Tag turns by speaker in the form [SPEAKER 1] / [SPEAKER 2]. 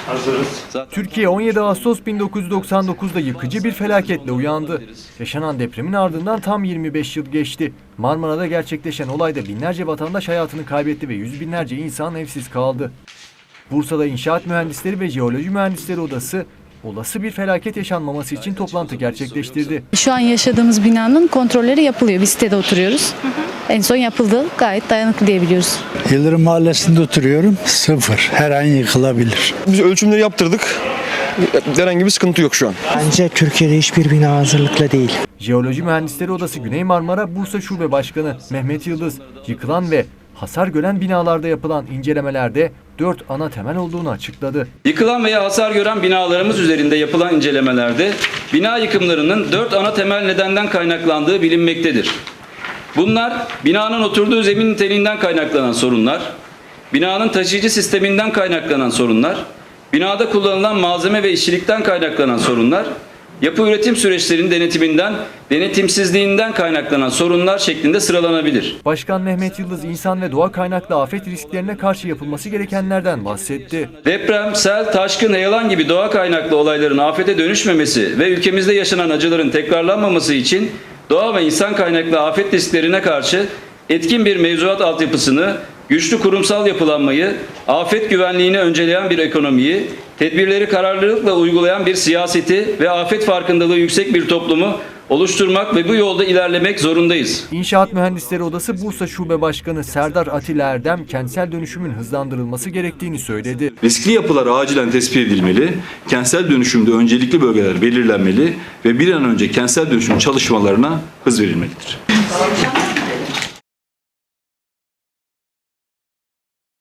[SPEAKER 1] Türkiye 17 Ağustos 1999'da yıkıcı bir felaketle uyandı. Yaşanan depremin ardından tam 25 yıl geçti. Marmara'da gerçekleşen olayda binlerce vatandaş hayatını kaybetti ve yüz binlerce insan evsiz kaldı. Bursa'da İnşaat Mühendisleri ve Jeoloji Mühendisleri Odası olası bir felaket yaşanmaması için toplantı gerçekleştirdi.
[SPEAKER 2] Şu an yaşadığımız binanın kontrolleri yapılıyor. Biz sitede oturuyoruz. En son yapıldı. Gayet dayanıklı diyebiliyoruz.
[SPEAKER 3] Yıldırım Mahallesi'nde oturuyorum. Sıfır. Her an yıkılabilir.
[SPEAKER 4] Biz ölçümleri yaptırdık. Herhangi bir sıkıntı yok şu an.
[SPEAKER 5] Bence Türkiye'de hiçbir bina hazırlıklı değil.
[SPEAKER 1] Jeoloji Mühendisleri Odası Güney Marmara Bursa Şube Başkanı Mehmet Yıldız, yıkılan ve hasar gören binalarda yapılan incelemelerde 4 ana temel olduğunu açıkladı.
[SPEAKER 6] Yıkılan veya hasar gören binalarımız üzerinde yapılan incelemelerde bina yıkımlarının 4 ana temel nedenden kaynaklandığı bilinmektedir. Bunlar binanın oturduğu zemin niteliğinden kaynaklanan sorunlar, binanın taşıyıcı sisteminden kaynaklanan sorunlar, binada kullanılan malzeme ve işçilikten kaynaklanan sorunlar, yapı üretim süreçlerinin denetiminden, denetimsizliğinden kaynaklanan sorunlar şeklinde sıralanabilir.
[SPEAKER 1] Başkan Mehmet Yıldız, insan ve doğa kaynaklı afet risklerine karşı yapılması gerekenlerden bahsetti.
[SPEAKER 6] Deprem, sel, taşkın, heyelan gibi doğa kaynaklı olayların afete dönüşmemesi ve ülkemizde yaşanan acıların tekrarlanmaması için doğa ve insan kaynaklı afet risklerine karşı etkin bir mevzuat altyapısını, güçlü kurumsal yapılanmayı, afet güvenliğini önceleyen bir ekonomiyi, tedbirleri kararlılıkla uygulayan bir siyaseti ve afet farkındalığı yüksek bir toplumu oluşturmak ve bu yolda ilerlemek zorundayız.
[SPEAKER 1] İnşaat Mühendisleri Odası Bursa Şube Başkanı Serdar Atilla Erdem, kentsel dönüşümün hızlandırılması gerektiğini söyledi.
[SPEAKER 7] Riskli yapılar acilen tespit edilmeli, kentsel dönüşümde öncelikli bölgeler belirlenmeli ve bir an önce kentsel dönüşüm çalışmalarına hız verilmelidir.